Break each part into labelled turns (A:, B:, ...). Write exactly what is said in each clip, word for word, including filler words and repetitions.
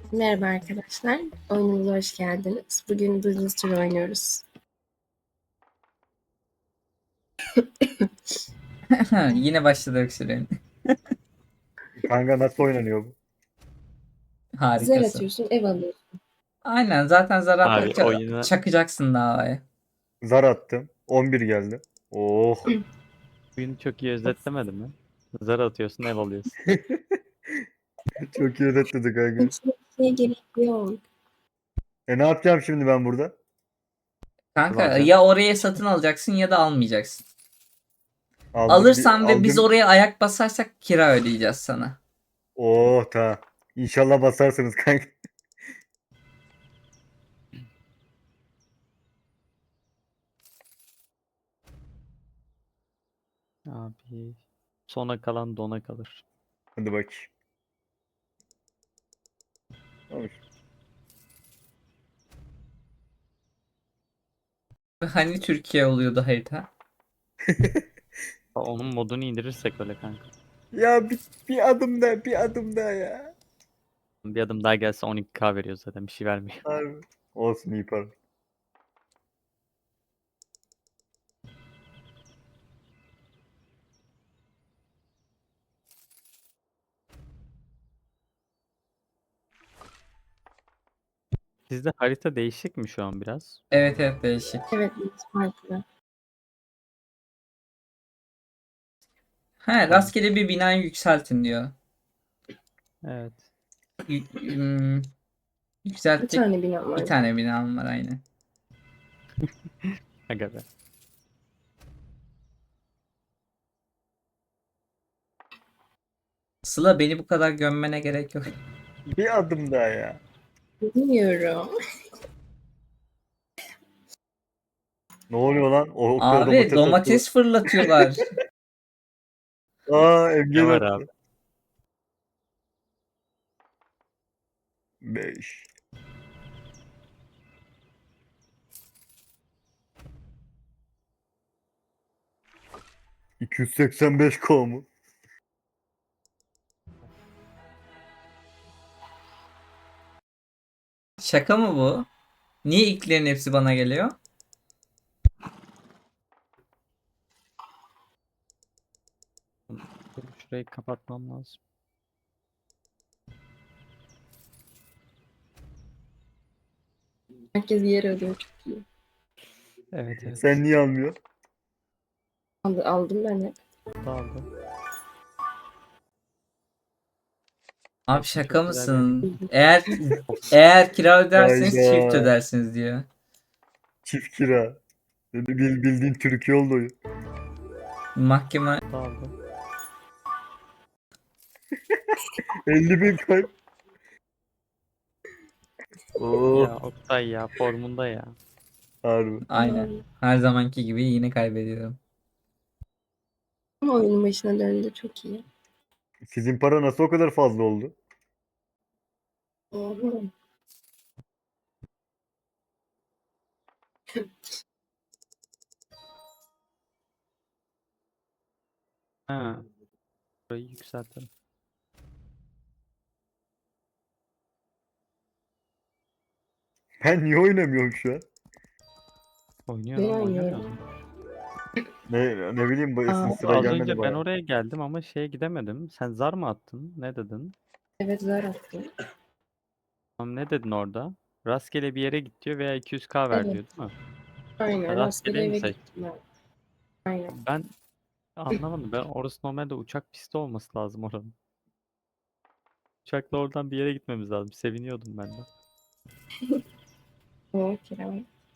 A: Merhaba arkadaşlar, oyunumuza hoş geldiniz. Bugün Business Tour oynuyoruz.
B: Yine başladı öksürüğün.
C: Kanka nasıl oynanıyor bu?
A: Zar
B: Harikasın.
A: atıyorsun, ev alıyorsun.
B: Aynen zaten zar
D: Abi
B: attıkça
D: oyuna
B: çakacaksın davaya.
C: Zar attım. on bir geldi. Oh.
D: oyunu çok iyi özetlemedi mi? Zar atıyorsun, ev alıyorsun.
C: Çok iyi özetledik kanka.
A: Hiçbir şeye gerek yok.
C: E ne yapacağım şimdi ben burada?
B: Kanka
D: Alacağım.
B: ya oraya satın alacaksın ya da almayacaksın.
C: Aldım.
B: Alırsan
C: bir,
B: ve biz
C: aldım.
B: oraya ayak basarsak kira ödeyeceğiz sana.
C: Oh tamam. İnşallah basarsınız kanka.
D: Abi sona kalan dona kalır.
C: Hadi bakayım. Olmuş.
B: Hani Türkiye oluyordu harita?
D: Onun modunu indirirsek öyle kanka.
C: Ya bir, bir adım daha, bir adım daha ya.
D: Bir adım daha gelse on iki K veriyor zaten, bir şey vermiyor.
C: Harbi. Olsun iyi para.
D: Sizde harita değişik mi şu an biraz?
B: Evet evet değişik.
A: Evet, biz farklı.
B: He rastgele bir binayı yükseltin diyor.
D: Evet.
B: Y- ım,
A: Bir
B: yükselttik.
A: tane bina var.
B: Bir tane binam var aynen.
D: Aga be.
B: Sıla beni bu kadar gömmene gerek yok.
C: Bir adım daha ya.
A: Bilmiyorum.
C: Ne oluyor lan? O Oktay
B: Abi
C: domates
B: domates fırlatıyorlar.
C: atıyor. Aa
D: Ne
C: Emge
D: var
C: attı.
D: abi?
C: beş. iki yüz seksen beş K mu?
B: Şaka mı bu? Niye ilklerin hepsi bana geliyor?
D: Dur, şurayı kapatmam lazım.
A: Herkes yer alıyor, çok iyi.
D: Evet evet.
C: Sen niye almıyorsun?
A: Aldı, aldım ben hep.
D: Dağıldı.
B: Abi
D: Hepsini
B: şaka
D: çok güzel yer.
B: mısın? Eğer eğer kira öderseniz çift
C: Hayda.
B: ödersiniz diyor.
C: Çift kira. Bil, bildiğin Türkiye oldu oyun.
B: Mahkeme
D: Dağıldı.
C: elli bin kayıp. Oo,
D: Ya Oktay ya, formunda ya.
C: harbi.
B: aynen. Her zamanki gibi yine kaybediyorum.
A: Ama oyunun başına döndü, çok iyi.
C: Sizin para nasıl o kadar fazla oldu?
A: Oho.
D: Ha. Burayı yükseltelim.
C: Ben niye oynamıyorum şu an?
D: Oynuyor
A: Ben
D: lan, oynuyor
A: oynuyorum.
D: mu?
C: Ne, ne bileyim bu
A: Aa,
C: sıra
D: Az
C: gelmedi
D: önce ben
C: bana.
D: oraya geldim ama şeye gidemedim. Sen zar mı attın? Ne dedin?
A: Evet, zar attım.
D: Tamam, ne dedin orada? Rastgele bir yere git diyor veya iki yüz K ver
A: Evet.
D: diyor değil mi?
A: Aynen, rastgele
D: Rastgeleyi mi
A: eve
D: seç?
A: gittim ben. Aynen.
D: Ben anlamadım. Ben orası normalde uçak pisti olması lazım oranın. Uçakla oradan bir yere gitmemiz lazım. Seviniyordum ben de.
A: O kira.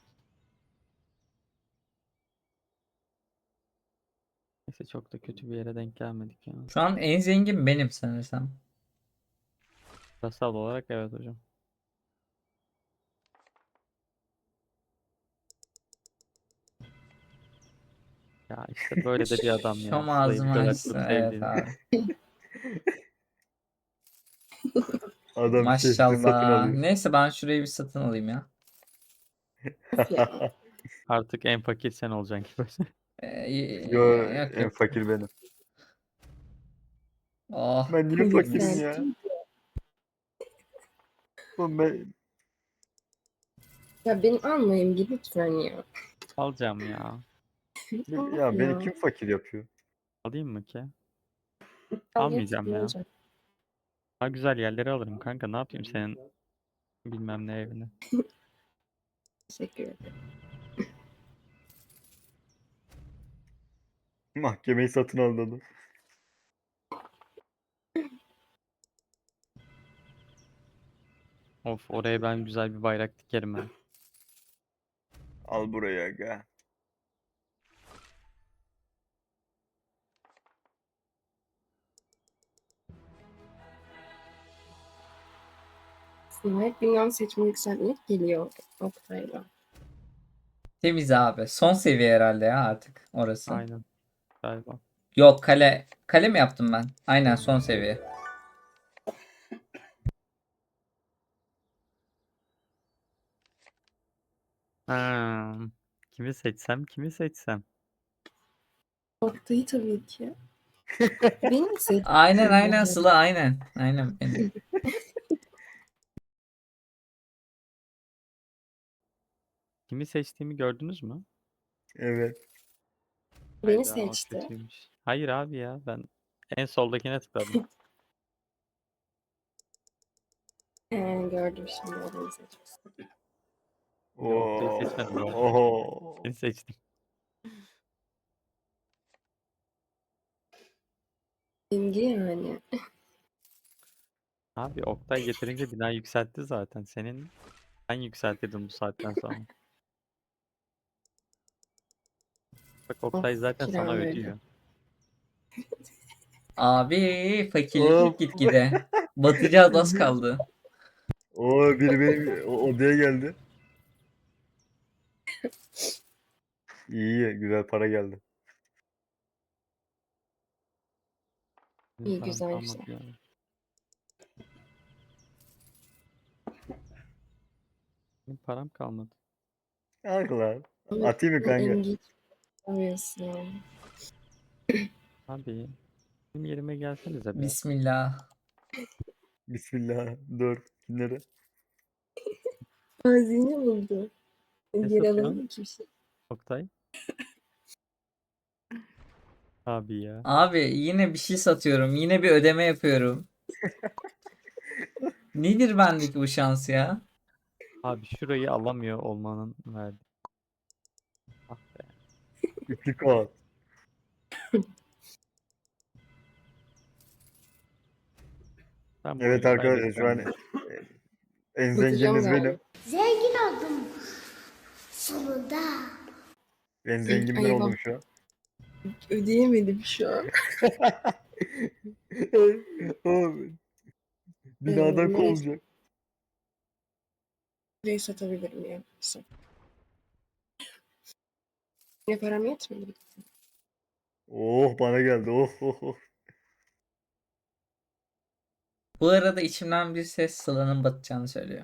D: Neyse, çok da kötü bir yere denk gelmedik ya.
B: Şu an en zengin benim sanırsam.
D: Parasal olarak evet hocam. Ya işte böyle de bir adam ya.
B: Şom
D: Sıla'yı bu
B: ağzımı
D: kadar
B: açsın.
D: çok
B: Evet
D: sevdiğini.
B: abi.
C: Adam şehri satın
B: Maşallah.
C: alıyor.
B: Neyse ben şurayı bir satın alayım ya.
A: Of ya.
D: Artık en fakir sen olacaksın gibi.
B: Ee, y-
C: Yo,
B: y- yok
C: en
B: yok.
C: fakir benim.
B: Oh
C: Ben niye
B: mis.
C: fakirim ya?
A: Yükselttim.
C: Oğlum ben,
A: Ya benim almayayım bir lütfen ya.
D: Alacağım ya.
C: ya beni
A: Ya.
C: kim fakir yapıyor?
D: Alayım mı ki?
A: Al getir,
D: Almayacağım
A: ne
D: ya.
A: olacak?
D: Daha güzel yerleri alırım kanka. Ne yapayım senin bilmem ne evini.
A: Teşekkür ederim.
C: Mahkemeyi satın aldı adam.
D: Of, oraya ben güzel bir bayrak dikerim ha.
C: Al buraya aga.
A: Aslında hep dünyam seçme yükseltmek geliyor Oktay'la.
B: Temiz abi. Son seviye herhalde ya artık orası.
D: Aynen. Galiba.
B: Yok kale. Kale mi yaptım ben? Aynen son seviye.
D: Ha, kimi seçsem kimi seçsem.
A: Oktay'ı tabii ki. Beni mi seç?
B: Aynen aynen Sıla aynen. Aynen benim.
D: Kimi seçtiğimi gördünüz mü?
C: Evet.
A: Beni
D: Hayda, o
A: seçti.
D: kötüymüş. Hayır abi ya, ben en soldakine tıkladım.
A: Ee, gördüm şimdi o beni seçmiş.
D: Ya Oktay'ı
C: Oo.
D: seçmedim bu arada.
C: Oho.
D: Seni seçtim.
A: Bilgi yani.
D: Abi Oktay getirince bina yükseltti zaten. Senin ben yükseltirdim bu saatten sonra. Bak Oktay
A: Of,
D: zaten sana
A: kiram öyle.
D: ödüyor.
B: Abi
C: Of.
B: fakirlik gitgide. Batacağız az kaldı.
C: O biri benim o- odaya geldi. İyi, güzel para geldi.
D: Benim
A: İyi,
D: param
A: güzel güzel.
D: kalmadı ya. Benim param kalmadı.
C: Al lan.
A: Ama
C: Atayım mı
A: sen
C: kanka?
A: ilginç oluyorsun yani.
D: Abi benim yerime gelsenize be.
B: Bismillah.
C: Bismillah. Dur. Kimlere?
A: Hazine buldu.
D: Ne
A: Geri
D: satıyorsun
A: alalım ki bir şey.
D: Oktay? Abi ya.
B: Abi yine bir şey satıyorum. Yine bir ödeme yapıyorum. Nedir bendeki bu şans ya?
D: Abi şurayı alamıyor olmanın verdi. Ah be.
C: Üçlü kağıt.
D: Ben bu
C: Evet
D: oyunu
C: arkadaşlar şu an
D: kaybedeceğim ya.
C: en
A: Batacağım
C: zengininiz
A: galiba.
C: benim.
E: Zengin oldum sonunda.
C: En zengin ben
A: Eyvah.
C: oldum şu an.
A: Ödeyemedim şu an.
C: Oğlum,
A: Ee,
C: binadan
A: nereye,
C: kovulacak.
A: nereye satabilirim ya? Sat. Ne param yetmedi.
C: Oh bana geldi. Oh oh oh.
B: Bu arada içimden bir ses Sıla'nın batacağını söylüyor.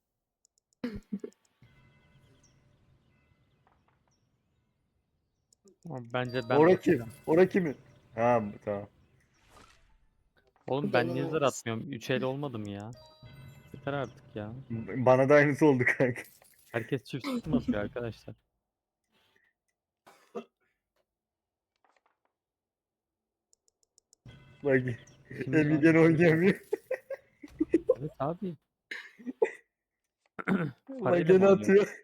D: Ama bence ben
C: Ora kim?
D: batacağım.
C: Ora kimin? Ha tamam.
D: Oğlum ben niye
A: Benim
D: zar
A: olsun.
D: atmıyorum? Üç el olmadım ya. Yeter artık ya.
C: Bana da aynısı oldu kanka.
D: Herkes çift çift mi atıyor arkadaşlar?
C: Bak
D: Şimdi
C: Emre
D: ya.
C: gene oynayamıyor.
D: Evet abi.
C: Bak
D: Parayla mı
C: gene
D: oynuyor?
C: atıyor.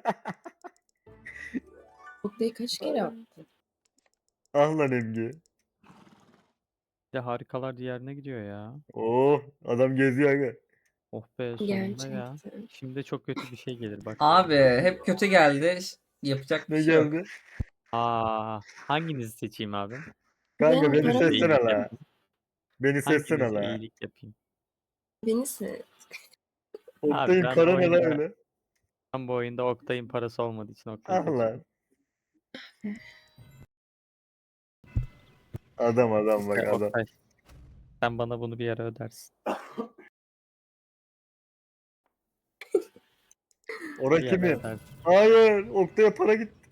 A: Oktay'ı kaç kere attı?
C: Ah lan Emge.
D: Bir de harikalar diyarına gidiyor ya.
C: Oh adam geziyor aga.
D: Oh be, sonunda ya.
A: Gerçekten.
D: Şimdi çok kötü bir şey gelir bak.
B: Abi hep kötü geldi. Yapacak bir
C: Ne
B: şey yok.
C: geldi?
D: Aa, hanginizi seçeyim abi?
C: Kanka
A: Ben
C: beni
A: param
D: Hanginize
C: seçsene
D: iyilik
C: la.
D: yapayım?
C: Beni seçsene
D: Hanginize
C: la.
D: iyilik yapayım?
A: beni seç.
D: Abi
C: Oktay'ın
D: ben bu
C: para ne la
D: oyunda
C: öyle?
D: ben bu oyunda Oktay'ın parası olmadığı için Oktay'ı
C: Ah
D: seçiyorum.
C: lan. Adam adam bak
D: Ya
C: adam.
D: Oktay, sen bana bunu bir ara ödersin.
C: Ora
D: Bir ara
C: kimin?
D: ödersin.
C: Hayır. Oktay'a para gitti.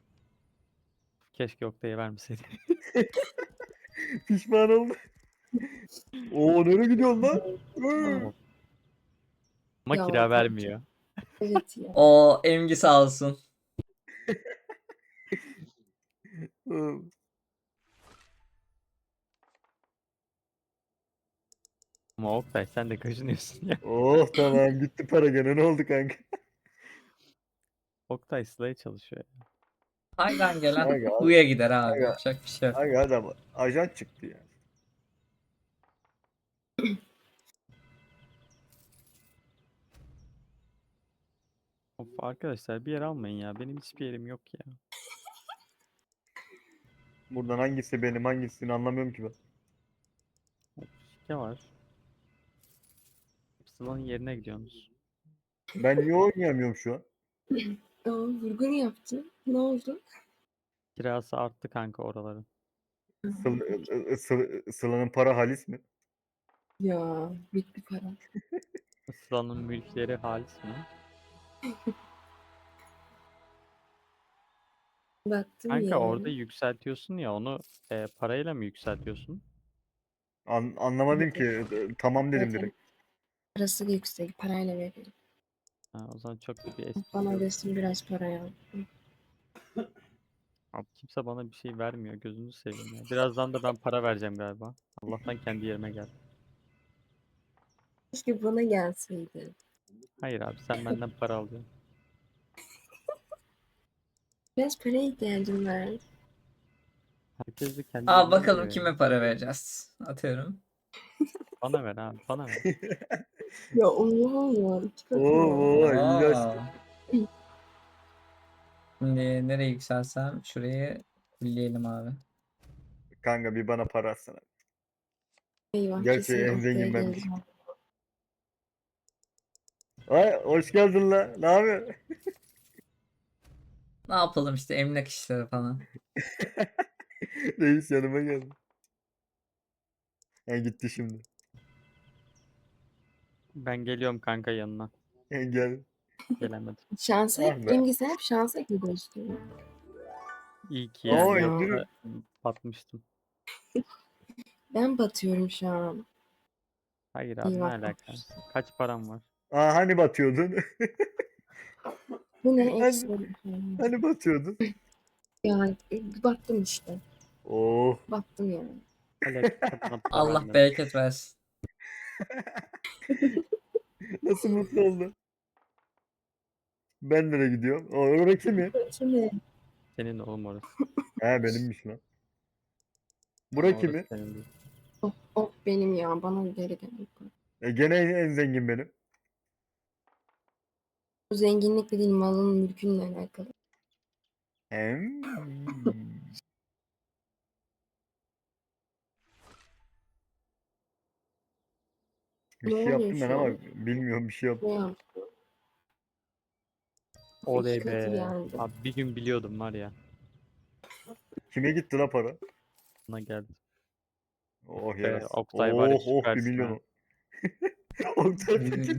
D: Keşke Oktay'a vermeseydim.
C: Pişman oldu. Oo nereye gidiyorsun lan? Hı.
D: Oh, Ama
A: Ya,
D: kira
A: tabii
D: vermiyor.
A: Evet ya.
B: O Emgi sağ olsun.
D: Ama Oktay sen de kaşınıyorsun ya.
C: Oh tamam gitti para gene ne oldu kanka?
D: Oktay Sıla'ya çalışıyor ya.
B: Haydan gelen
C: Aga,
B: huya gider abi.
C: aga,
B: Yapacak bir şey yok.
C: aga adam ajan çıktı ya.
D: Of arkadaşlar bir yer almayın ya. Benim hiçbir yerim yok ya.
C: Buradan hangisi benim hangisini anlamıyorum ki ben.
D: Of, şike var. Sıla'nın yerine gidiyorsunuz.
C: Ben niye oynayamıyorum şu an?
A: Aa, vurgun yaptı. Ne oldu?
D: Kirası arttı kanka oraların.
C: Sıla, ı- ı- Sıla- Sıla'nın para halis mi?
A: Ya büyük bir para.
D: Sıla'nın mülkleri halis mi?
A: Baktım
D: Kanka
A: ya.
D: orada yükseltiyorsun ya onu e, parayla mı yükseltiyorsun?
C: An- anlamadım ki. Tamam dedim
A: Zaten
C: direkt.
A: parası da yüksek. Parayla verelim.
D: Ha, o zaman çok da bir espri
A: Bana
D: yok.
A: versin biraz para ya.
D: Abi kimse bana bir şey vermiyor. Gözünü seveyim ya. Birazdan da ben para vereceğim galiba. Allah'tan kendi yerime gel.
A: Keşke bana gelseydi.
D: Hayır abi sen benden para alıyorsun.
A: Biraz paraya ihtiyacım var.
D: Herkes de kendi
B: Aa
D: yerine
B: bakalım
D: geliyor ya.
B: kime para vereceğiz. Atıyorum.
D: Bana ver abi bana ver.
A: Ya Allah ya. İki katı
C: Oo,
A: ya.
C: oo iyi açtı.
B: Aa. Şimdi nereye yükselsem şurayı fulleyelim abi.
C: Kanka bir bana para atsana.
A: Eyvah
C: Gerçi
A: kesin
C: en
A: ortaya
C: zengin benmiş.
A: geleceğim.
C: Ay hoş geldin la. Ne yapıyorsun?
B: Ne yapalım işte emlak işleri falan.
C: Reis yanıma geldi. Ha, gitti şimdi.
D: Ben geliyorum kanka yanına.
C: Ha, gel.
D: Gelemedim.
A: Şansa
C: Ah
A: hep,
C: be.
A: İmgi sen hep şansa gidiyorsun.
D: İyi ki
C: Oo
D: yani
A: ya.
C: yatırım.
D: yoksa batmıştım.
A: Ben batıyorum şu an.
D: Hayır abi ne
A: Eyvah.
D: alaka? Kaç param var?
C: Aa hani batıyordun?
A: Bu ne
C: Hani,
A: eksi?
C: hani batıyordun?
A: Ya e, baktım işte.
C: Oh.
A: Baktım yani.
D: Hala kimse bana para
B: Allah
D: vermedi.
B: bereket versin.
C: Nasıl mutlu oldu? Ben nereye gidiyorum? O oraya kimi?
A: Şimdi
D: Senin oğlum orası.
C: He benimmiş lan.
D: Ama
C: Bura
D: orası
C: kimi?
D: senin değil.
A: of, of benim ya bana geri gel.
C: E, gene en, en zengin benim.
A: Bu zenginlikle değil malın mülkünle alakalı.
C: Hem. Bir
A: Ne
C: şey
A: oluyor
C: yaptım ben
A: şu
C: ama
A: an?
C: bilmiyorum bir şey yaptım.
A: Ne yaptı? İki
D: Oley
A: katı
D: be.
A: geldi.
D: Abi bir gün biliyordum var ya.
C: Kime gitti la para?
D: Bana geldi.
C: Oh
D: Be,
C: yarasın.
D: Oktay var ya
C: Oh oh bir
D: süpersin
C: milyon
D: ha.
C: o. Oktay Pekin.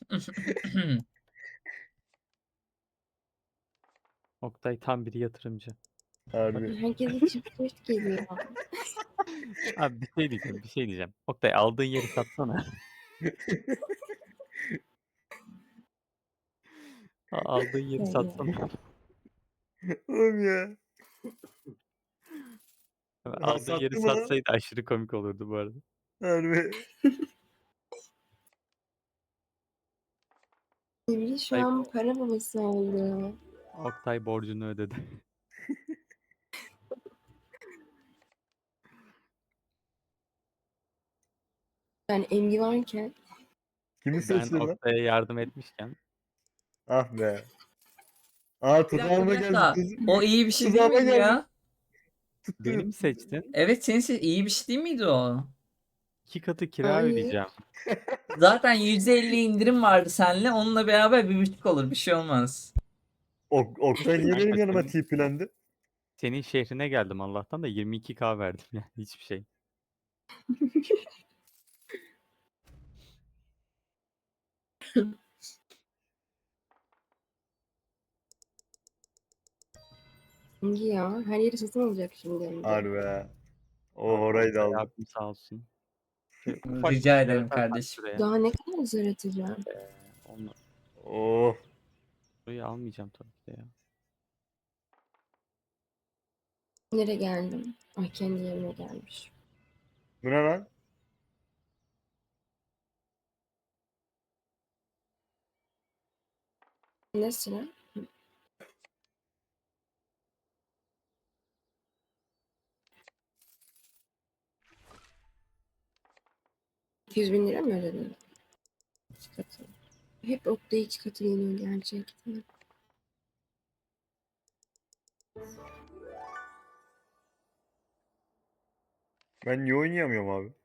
D: Oktay tam bir yatırımcı.
C: Harbi.
A: Herkese çift çift geliyor.
D: Abi bir şey diyeceğim, bir şey diyeceğim. Oktay aldığın yeri satsana. A- Aldığın yeri
A: Yani.
D: satsana.
C: Oğlum ya. Ha,
D: Aldığın
C: sattı
D: yeri
C: mı lan?
D: satsaydı aşırı komik olurdu bu arada.
C: Harbi.
A: Sivri şu
D: Ay-
A: an para babası oldu.
D: Oktay borcunu ödedi.
A: Yani emgi varken
C: Kimi
D: Ben
C: seçtin lan?
D: Oktay'a yardım etmişken
C: Ah be. Aa
B: Bir dakika bir
C: tuzağıma geldi.
B: dakika.
C: Tuz,
B: O iyi bir şey değil
C: tuzağıma
B: miydi
C: geldi.
B: ya?
C: Tuttu.
D: beni mi seçtin?
B: Evet senin se- iyi bir şey değil miydi o?
D: İki katı kira
A: Hayır.
D: ödeyeceğim.
B: Zaten yüzde elli indirim vardı seninle. Onunla beraber bir buçuk olur. Bir şey olmaz.
C: Ok, Oktay niye
D: Kanka
C: benim yanıma
D: senin,
C: tiplendi?
D: senin şehrine geldim Allah'tan da yirmi iki K verdim yani hiçbir şey.
A: emgi ya. Her yeri satın alacak şimdi emgi.
C: Harbi. O
D: Abi
C: orayı da
D: Oktay
C: aldı.
D: abim sağ olsun. Şöyle ufak bir
B: Rica
D: şey
B: ederim
D: yaparsan
B: kardeşim.
D: şuraya.
A: Daha ne kadar zor atacağım?
D: Ee, Olmadı.
C: Oh.
D: Burayı almayacağım tabii ki de ya.
A: Nereye geldim? Ay kendi yerime gelmiş.
C: Bu ne lan?
A: Ne sıra? iki yüz bin lira mı ödedin? İki katı. Hep okta iki katı geliyor gerçekten.
C: Ben niye oynayamıyorum abi?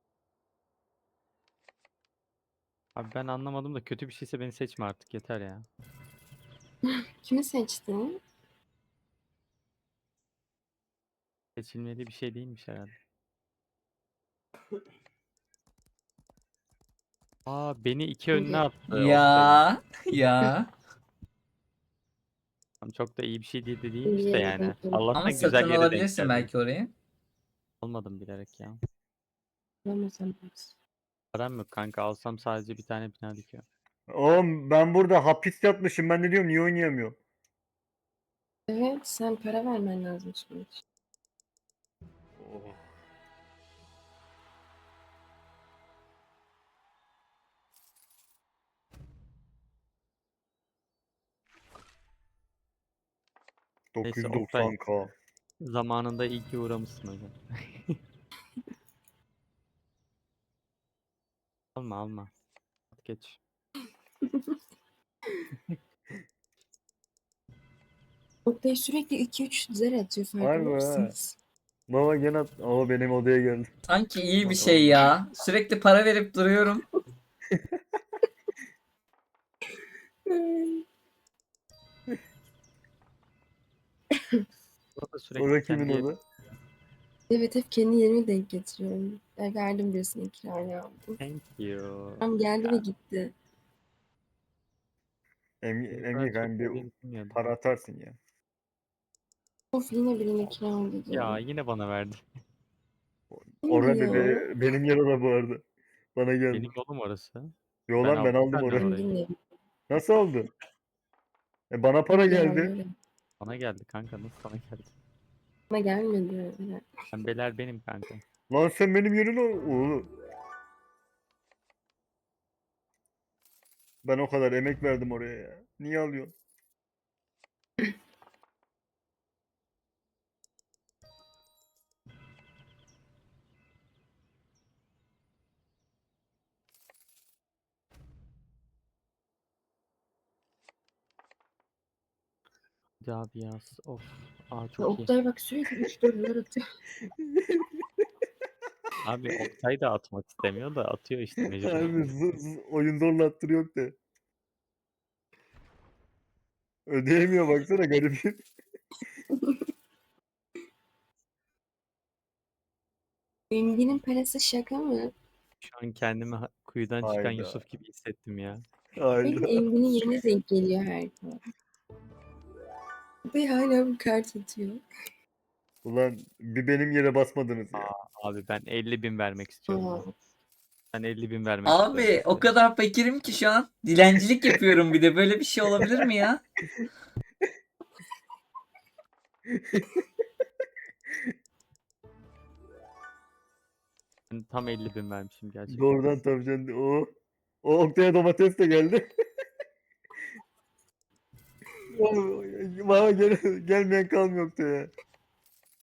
D: Abi ben anlamadım da kötü bir şeyse beni seçme artık yeter ya.
A: Kimi seçtin?
D: Seçilmeli bir şey değilmiş herhalde. Aa beni iki önüne attı Oktay.
B: Ya ya.
D: Tamam, çok da iyi bir şey değil de değilmiş de
A: Bilmiyorum,
D: yani.
A: bilmiyorum.
D: Allah'tan
B: Ama
D: güzel
B: satın
D: yere denk
B: alabilirsin
D: geldi.
B: belki orayı.
D: Almadım bilerek ya.
A: Bulamazsam.
D: Param yok kanka, alsam sadece bir tane bina dikiyor.
C: Oğlum ben burada hapis yatmışım. Ben de diyorum niye oynayamıyorum?
A: Evet, sen para vermen lazım şimdi.
C: Oh.
D: Neyse,
C: dokuz yüz doksan K.
D: Zamanında iyi ki uğramışsın hocam. Alma alma. Geç.
A: Oktay sürekli iki üç zer atıyor farkında
C: Harbi ha.
A: mısınız?
C: Baba gene at. Ama benim odaya geldi.
B: Sanki iyi bir
C: Bak
B: şey
C: oğlum.
B: ya. Sürekli para verip duruyorum.
D: Burada sürekli
C: Orada kimin
D: kendi
C: oda?
A: Evet, hep kendi yerime denk getiriyorum. Ben verdim birisine kiraya.
D: Thank you.
A: Tam geldi ve gitti.
C: Emge,
D: Benim kadar
C: Emge
D: çok
C: kanka bir
D: sevdiğini bilmiyordum.
C: para atarsın ya.
A: Of, yine birine kira ödedim.
D: Ya yine bana verdi.
C: Orada
A: ya?
C: be, benim yer oda bu arada. Bana geldi.
D: Benim yolum orası.
C: Yo
D: Ben
C: lan ben
D: aldım
C: aldım
D: senden
C: orayı.
D: orayı.
A: Zengin ev.
C: Nasıl oldu? E bana para
A: Ya,
C: geldi.
A: öyle.
D: Bana geldi kanka, nasıl sana geldi?
A: Bana gelmedi. öyle.
D: Pembeler benim kanka.
C: Lan sen benim yerine oğlum. Ben o kadar emek verdim oraya ya. Niye alıyorsun?
D: Hadi abi ya. Of. Aa
A: Ya
D: çok iyi.
A: Oktay bak sürekli üç dolar atıyor.
D: Abi Oktay da atmak istemiyor da atıyor işte mecbur.
C: Abi z- z- oyun zorla attırıyor de. Ödeyemiyor baksana garibim.
A: Engin'in parası şaka mı?
D: Şu an kendimi ha- kuyudan çıkan
C: Hayda.
D: Yusuf gibi hissettim ya.
A: Benim
C: Hayda.
A: Engin'in yerine denk geliyor her zaman. Ve hala bir kart atıyor.
C: Ulan bir benim yere basmadınız ya.
D: Abi ben elli bin vermek istiyorum.
A: Aa,
D: ya. Ben elli bin vermek istiyorum.
B: Abi o
D: size.
B: kadar fakirim ki şu an. Dilencilik yapıyorum bir de. Böyle bir şey olabilir mi ya?
D: Ben tam elli bin vermişim gerçekten.
C: Doğrudan tabii canım. O, o Oktay'a domates de geldi. Bana gel, gelmeyen kalmıyor Oktay'a.